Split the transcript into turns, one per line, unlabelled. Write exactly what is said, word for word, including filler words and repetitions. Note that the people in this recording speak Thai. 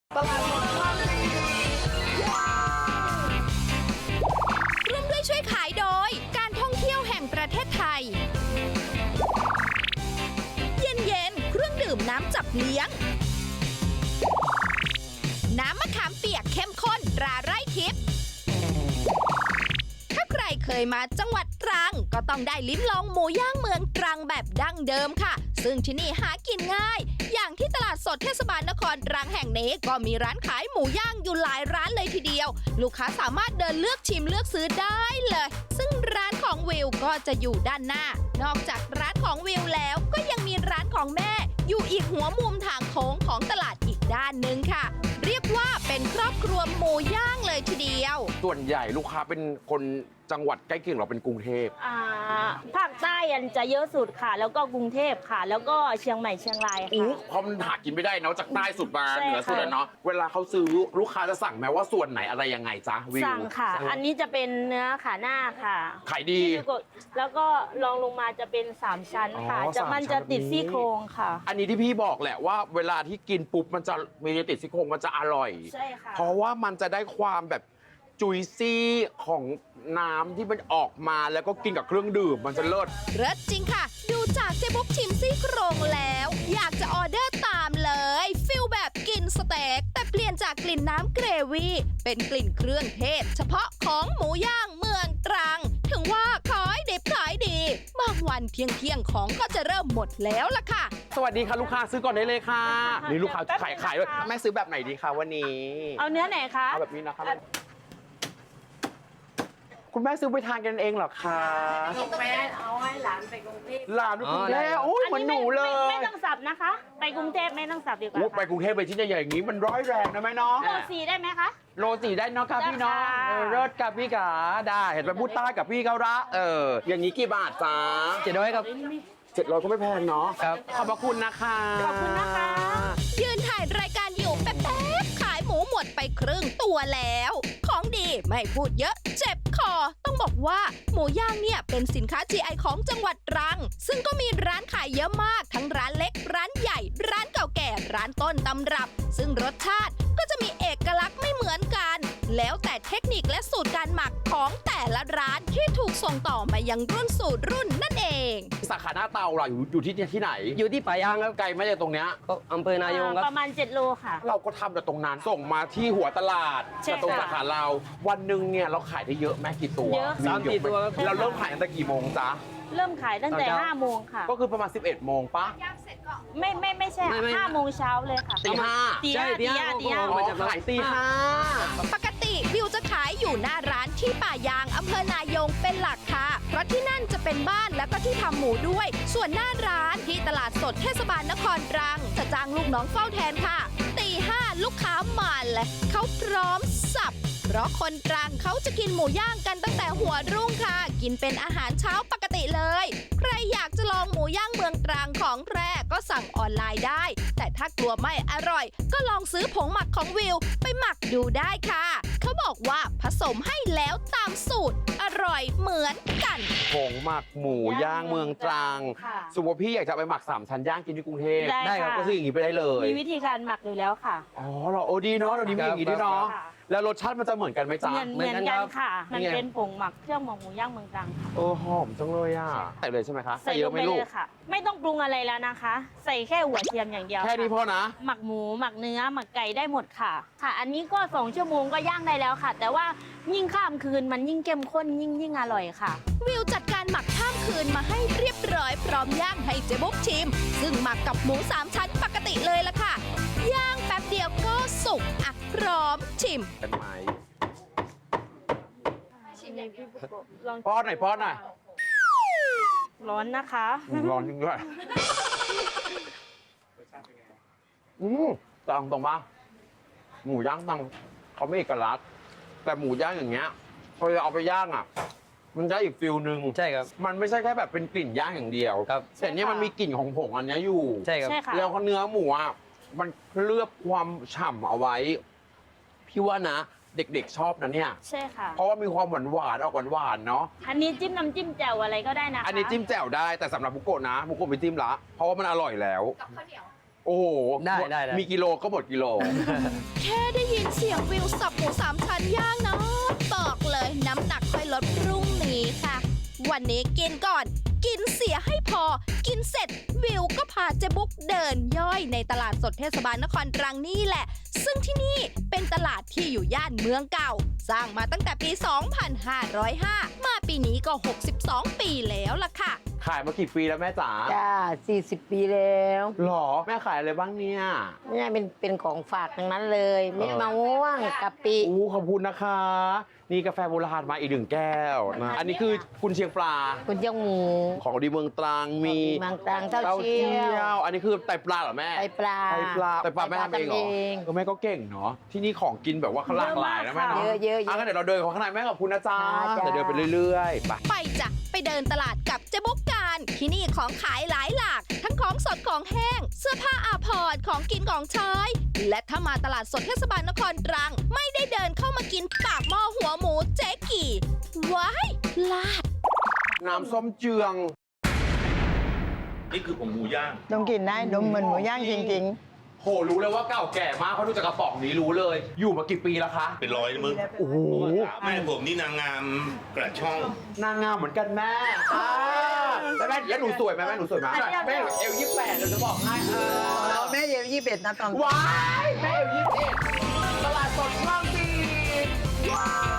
ตลาดสดบางพลี
ร่วมด้วยช่วยขายโดยการท่องเที่ยวแห่งประเทศไทย เย็นเย็นเครื่องดื่มน้ำจับเลี้ยง น้ำมะขามเปียกเข้มข้นตราไร่ทิพย์ถ้าใครเคยมาจังหวัดตรังก็ต้องได้ลิ้มลองหมูย่างเมืองตรังแบบดั้งเดิมค่ะ ซึ่งที่นี่หากินง่าย อย่างที่ตลาดสดเทศบาลนครตรังแห่งนี้ก็มีร้านขายหมูย่างอยู่หลายร้านเลยทีเดียว ลูกค้าสามารถเดินเลือกชิมเลือกซื้อได้เลย ซึ่งร้านของวิวก็จะอยู่ด้านหน้า นอกจากร้านของวิวแล้วก็ยังมีร้านของแม่ อยู่อีกหัวมุมทางโค้งของตลาดอีกด้านหนึ่งค่ะ เรียกว่าเป็นครอบครัวหมูย่างเลยทีเดียว
ส่วนใหญ่ลูกค้าเป็นคนจังหวัดใกล้เคียงเราเป็นกรุงเทพ
อ่าภาคใต้อันจะเยอะสุดค่ะ แล้วก็กรุงเทพค่ะ แล้วก็เชียงใหม่เชียงราย
อู้
ค่ะ
เพราะมันหากินไม่ได้เนาะจากใต้สุดมา
ใช่
เหนือสุด
ค่ะ
อะเนาะเวลาเขาซื้อลูกค้าจะสั่งไหมว่าส่วนไหนอะไรยังไงจ๊ะวิว
สั่งค่ะ อันนี้จะเป็นเนื้อขาหน้าค่ะ
ขายดี
ที่กดแล้วก็รองลงมาจะเป็นสามชั้นค่ะ
อ๋อ
จะมันจะติด
สามชั้นแบบนี้
ซี่โครงค่ะ
อันนี้ที่พี่บอกแหละว่าเวลาที่กินปุ๊บมันจะมีติดซี่โครงมันจะอร่อย
ใช่ค่ะ
เพราะว่ามันจะได้ความแบบจุยซี่ของน้ำที่มันออกมาแล้วก็กินกับเครื่องดื่มมันจะเลิศ
เลิศจริงค่ะ ดูจากเจ๊บุ๊กชิมซี่โครงแล้ว อยากจะออเดอร์ตามเลยฟิลแบบกินสเต็กแต่เปลี่ยนจากกลิ่นน้ำเกรวี่เป็นกลิ่นเครื่องเทศ เฉพาะของหมูย่างเมืองตรัง ถึงว่าขายดิบขายดี บางวันเที่ยงเที่ยงๆของก็จะเริ่มหมดแล้วล่ะค่ะ
สวัสดีค่ะลูกค้าซื้อก่อนได้เลยค่ะนี่ลูกค้าขายขายด้วย
แป๊บนึงนะคะ
แม่ซื้อแบบไหนดีคะวันนี้
เอาเนื้อไหนคะ
เอาแบบนี้นะคะคุณแม่ซื้อไปทานกันเองเหรอคะ
ลูกแม่เอาให้หลานไปกรุงเทพ
หลานคุณแม่โอ้ยเหมือนหนูเลย
ไม่ต้องสับนะคะ ไปกรุงเทพไม่ต้องสับดีกว่า
โอ้ไป
ค่ะ
กรุงเทพไปที่ใหญ่ๆอย่างนี้มันร้อยแรงนะแม่เนาะ
โลสี่ได้ไหมคะ
โลสี่ได้เนาะครับพี่เนาะ
ได้ค่ะ
เออเลิศกับพี่กาได้เห็นไปพูดใต้กับพี่เขาละเอออย่างนี้กี่บาทจ๊ะ
เจ็ดร้อยครับ
เจ็ดร้อยก็ไม่แพงเนาะ
ครับ
ขอบพระคุณนะคะ
ขอบคุณนะคะ
ยืนถ่ายรายการอยู่แป๊บๆขายหมูหมดไปครึ่งตัวแล้ว ของดีไม่พูดเยอะเจ็บคอ ต้องบอกว่าหมูย่างเนี่ยเป็นสินค้า จี ไอ ของจังหวัดตรัง ซึ่งก็มีร้านขายเยอะมาก ทั้งร้านเล็ก ร้านใหญ่ ร้านเก่าแก่ ร้านต้นตำรับ ซึ่งรสชาติก็จะมีเอกลักษณ์ไม่เหมือนกัน แล้วแต่เทคนิคและสูตรการหมักของแต่ละร้านที่ถูกส่งต่อมายังรุ่นสู่รุ่นนั่นเอง
สาขาหน้าเตาเราอยู่อยู่ที่ที่ไหน
อยู่ที่ป่ายางครับ
ไกลไหม่จากตรงเนี้ย
ก็อำเภอนายงครับ
ประมาณเจ็ดโลค่ะ
เราก็ทำแต่ตรงนั้นส่งมาที่หัวตลาด
ใช่
แต่ตรง
ค่ะ
สาขาเราวันหนึ่งเนี่ยเราขายได้เยอะแม่กี่ตัว
เยอะ
สามสี่ตัวครับ
เราเริ่มขายตั้งแต่กี่โมงจ๊ะ
เริ่มขายตั้งแต่
ตอนเช้า
ห้าโมงค่ะ
ก็คือประมาณสิบเอ็ดโมงปะ
ไม่ไม่ไม่ใช่
ไม่ไม่
ห้าโมงเช้าเลยค่ะ
ตีห้า
ตี
ใช่
ห้า
ตี
ตี
ห้า
ห้าตีห้า
ผม
อ๋
มา
อ
จาก
ขายตีห้า
ปกติวิวจะขายอยู่หน้าร้านที่ป่ายางอำเภอนายงเป็นหลักค่ะ เพราะที่นั่นจะเป็นบ้านแล้วก็ที่ทำหมูด้วย ส่วนหน้าร้านที่ตลาดสดเทศบาลนครตรัง จะจ้างลูกน้องเฝ้าแทนค่ะ ตีห้าลูกค้ามาเลยเขาพร้อมสับ เพราะคนตรังเขาจะกินหมูย่างกันตั้งแต่หัวรุ่งค่ะ กินเป็นอาหารเช้าปกติเลย ใครอยากจะลองหมูย่างเมืองตรังของแพร่ก็สั่งออนไลน์ได้ แต่ถ้ากลัวไม่อร่อย ก็ลองซื้อผงหมักของวิวไปหมักดูได้ค่ะ เขาบอกว่าผสมให้แล้วตามสูตร อร่อยเหมือนกัน
ผงหมักหมูย่างเมืองตรัง
ค่ะ
สมมติพี่อยากจะไปหมักสามชั้นย่างกินที่กรุงเทพ
ได้
ได้ครับ
ค่ะ
ก็ซื้ออย่างนี้ไปได้เลย
มีวิธีการหมักอยู่แล้วค่ะ
อ๋อเราโอ้ดีเนาะเราดีมีอย่างนี้ด้วยเนาะ
ค่ะ
แล้วรสชาติมันจะเหมือนกันไหมจ๊ะ
เหมือน
เห
เห
มื
มื
อ
อน น
กัน
กัน
ครับ
ค่ะ มัน
นี่ไง
เป็นผงหมักเครื่องหมักหมูย่างเมืองตรังค่ะ
เออหอมจังเลยอ่ะใส่เลยใช่ไหมคะ
ใส่
เย
ล
อะ
ง
ไหม
ไป
ลู
เล
ก
ยค่ะ ไม่ต้องปรุงอะไรแล้วนะคะ ใส่แค่หัวเทียมอย่างเดียว
แค่นี้พ
ค่ะ
อนะ
หมักหมูหมักเนื้อหมักไก่ได้หมดค่ะ ค่ะ อันนี้ก็สองชั่วโมงก็ย่างได้แล้วค่ะ แต่ว่ายิ่งข้ามคืนมันยิ่งเข้มข้นยิ่งยิ่งอร่อยค่ะ
วิวจัดการหมักข้ามคืนมาให้เรียบร้อยพร้อมย่างให้เจ๊บุ๊กชิม ซึ่งหมักกับหมูสามชั้นปกติเลยล่ะค่ะ ย่างแป๊บเดียวก็สุกอ่ะพร้อมชิม
เป็นไหม
ลอง
ป้อนหน่อยป้อนหน่อย
ร้อนนะคะ
ร้อนจริงด้วยอืมตรงตรงปะหมูย่างตังเขาไม่เอกลักษณ์แต่หมูย่างอย่างเงี้ยพอจะเอาไปย่างอ่ะ มันได้อีกฟิลหนึ่ง
ใช่ครับ
มันไม่ใช่แค่แบบเป็นกลิ่นย่างอย่างเดียว
ครับ
แต่เนี้ยมันมีกลิ่นของผงอันเนี้ยอยู่
ใช่ครับ
ใช่ค่ะ
แล้วเนื้อหมูอ่ะมันเคลือบความฉ่ำเอาไว้ พี่ว่านะ เด็กๆชอบนะเนี่ย
ใช่ค่ะ
เพราะว่ามีความหวานหวานๆออกหวานๆเนาะ
อันนี้จิ้มน้ำจิ้มแจ่วอะไรก็ได้นะคะ
อันนี้จิ้มแจ่วได้แต่สำหรับบุโกะนะบุโกะไม่จิ้มละเพราะว่ามันอร่อยแล้ว
กับข้าวเหนียว
โอ้โอ้โห
ได้ได้ได้
มีกิโลก็หมดกิโล
แค่ได้ยินเสียงวิวสับหมูสามชั้นย่างนะบอกเลยน้ำหนักค่อยลดพรุ่งนี้ค่ะ วันนี้กินก่อน กินเสียให้พอ กินเสร็จวิวก็พาเจ๊บุ๊กเดินย่อยในตลาดสดเทศบาลนครตรังนี่แหละ ซึ่งที่นี่เป็นตลาดที่อยู่ย่านเมืองเก่า สร้างมาตั้งแต่ปี สองพันห้าร้อยห้า มาปีนี้ก็ หกสิบสอง ปีแล้วล่ะค่ะ
ขายมากี่ปีแล้วแม่จ๋า
จ้าสี่สิบปีแล้ว
หรอแม่ขายอะไรบ้างเนี่ย
เนี่ยเป็นเป็นของฝากทั้งนั้นเลยมีมะม่วงกะปิ
อู้ขอบคุณนะคะ นี่กาแฟโบราณมาอีกหนึ่งแก้วนะอันนี้คือคุณเชียงปลา
คุณเจ้าหมู
ของดีเมืองตรังมี
บางตรังเต้าเจี้ยว
อันนี้คือไตปลาเหรอแม่
ไตปลา
ไตปลาไตปลาแม่ทำเองเหรอ
ทำเอง
ก็แม่ก็เก่งเนาะที่นี่ของกินแบบว่าหลากหลายนะแม่เนาะ
เยอะเยอะเยอะ
งั้นเดี๋ยวเราเดินของข้างในแม่ขอบคุณนะจ๊ะ
จ้า
เดี๋ยวเดินไปเรื่อยๆไป
ไปจ้ะไปเดินตลาดกับเจ๊บุ๊กการ ที่นี่ของขายหลายหลาก ทั้งของสดของแห้ง เสื้อผ้าอาภรณ์ของกินของใช้ และถ้ามาตลาดสดเทศบาลนครตรัง ไม่ได้เดินเข้ามากินปากหม้อหัวหมูเจ๊กี่ว้ายพลาด
น้ำส้มเจือง
นี่คือผงหมูย่าง
ต้องกินได้ดมเหมือนหมูย่างจริง
โหรู้เลยว่าเก่าแก่มากเพราะดูจากกระป๋องนี้รู้เลย อยู่มากี่ปีแล้วคะ
เป็นร้อยนะมึง
โอ้โห
แม่ผมนี่นางงามกระช่อง
นางงามเหมือนกันแม่อ่าแล้วแม่แล้วหนูสวยไหมแม่หนูสวยไหมแม่เอวยี่สิบแปดเดี๋ยวจะบอกให้เออ
ๆ แม่เย็บยี่เป็ดนะตอน
ว้ายแม่เอวยี่สิบเอ็ดตลาดสดคลองสี่ว้าย